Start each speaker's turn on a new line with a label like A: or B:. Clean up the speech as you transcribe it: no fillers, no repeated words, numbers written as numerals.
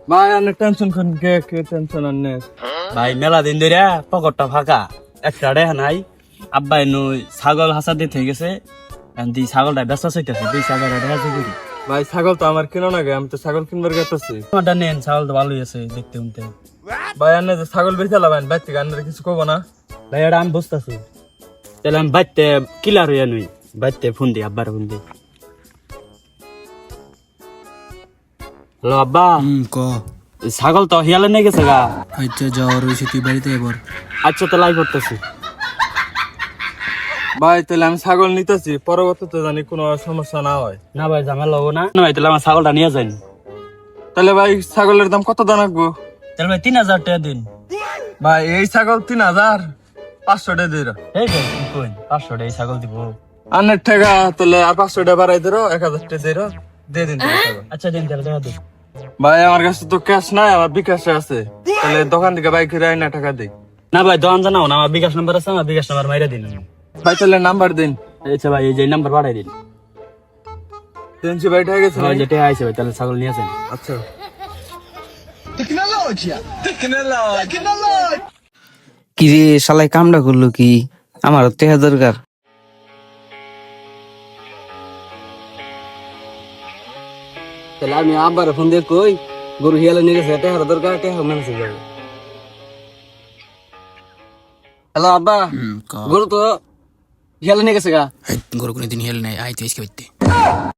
A: ভাই অনেক টেনশন কোন কে টেনশন আনে
B: ভাই মেলা দিন ধরে পকেটটা ফাঁকা একটা রেহা নাই আব্বা এনু ছাগল হাসা দিয়ে থেকে গেছে দি ছাগলটা ব্যস্ত চাইতেছে দুই ছাগল রেহা করি
A: ভাই ছাগল তো আমার কিনো না গে, আমি তো ছাগল কিনবার গেতেছি।
B: আমারটা নেন ছাগল তো ভালোই আছে দেখতে শুনতে।
A: ভাই আনে যে ছাগল বেচে লাবেন বাইর থেকে আনলে কিছু কব না।
B: ভাই এটা আমি বুঝতেছি তাহলে আমি বাইতে কিলার হইয়া নই বাইতে ফোন দিই আব্বার ফোন দিই। হ্যালো আব্বা
C: ক
B: ছাগল তো হিয়ালে নিয়ে গেছে গা।
C: আচ্ছা যাওয়ার হয়েছে তুই বাড়িতে এবার।
B: আচ্ছা তো লাই করতেছি।
A: ভাই তাহলে আমি ছাগল নিতেছি, পরবর্তীতে জানি কোনো সমস্যা না হয়।
B: না ভাই ঝামেলা হবো না। না ভাই তাহলে আমার ছাগলটা নিয়ে যান।
A: তাহলে ভাই ছাগলের দাম কত দাম রাখবো?
B: তাহলে ভাই 3000 টাকা দিন।
A: ভাই এই ছাগল 3500 টাকা দিল।
B: এই ভাই কি কইন 500 টাকা এই ছাগল দিব।
A: আনের টাকা তাহলে আর 500 টাকা বাড়াই দিল, 1000 টাকা দিল, দিয়ে দিন তাহলে ছাগল।
B: আচ্ছা দিন তাহলে টাকা দিন।
A: ভাই আমার কাছে তো ক্যাশ নাই, আমার বিকাশে আছে, তাহলে দোকান থেকে বাইক কিনে আইনা টাকা দেই।
B: না ভাই দোকান জানাও না, আমার বিকাশ নাম্বার আছে, আমার বিকাশ নাম্বার মাইরা দিন।
A: ভাই তাহলে নাম্বার দিন।
B: আচ্ছা ভাই এই যে নাম্বার পাঠাই দিন।
A: 300 বাইট হয়ে গেছে
B: ভাই
A: ভাই।
B: যেটা আইছে ভাই তাহলে ছাগল নিয়ে আসেন।
A: আচ্ছা
D: কি রে শালাই কামটা করলো কি? আমার টেহা দরকার।
B: তাহলে আমি আব্বার ফোন দিয়ে কই গরু হিয়ালে নিয়ে গেছে টাকা দরকার টাকা মেনছে যাবে। হ্যালো আব্বা গরু তো হিয়ালে নিয়ে গেছে গা।
C: গরু কোনো দিন হেল নাই আইতে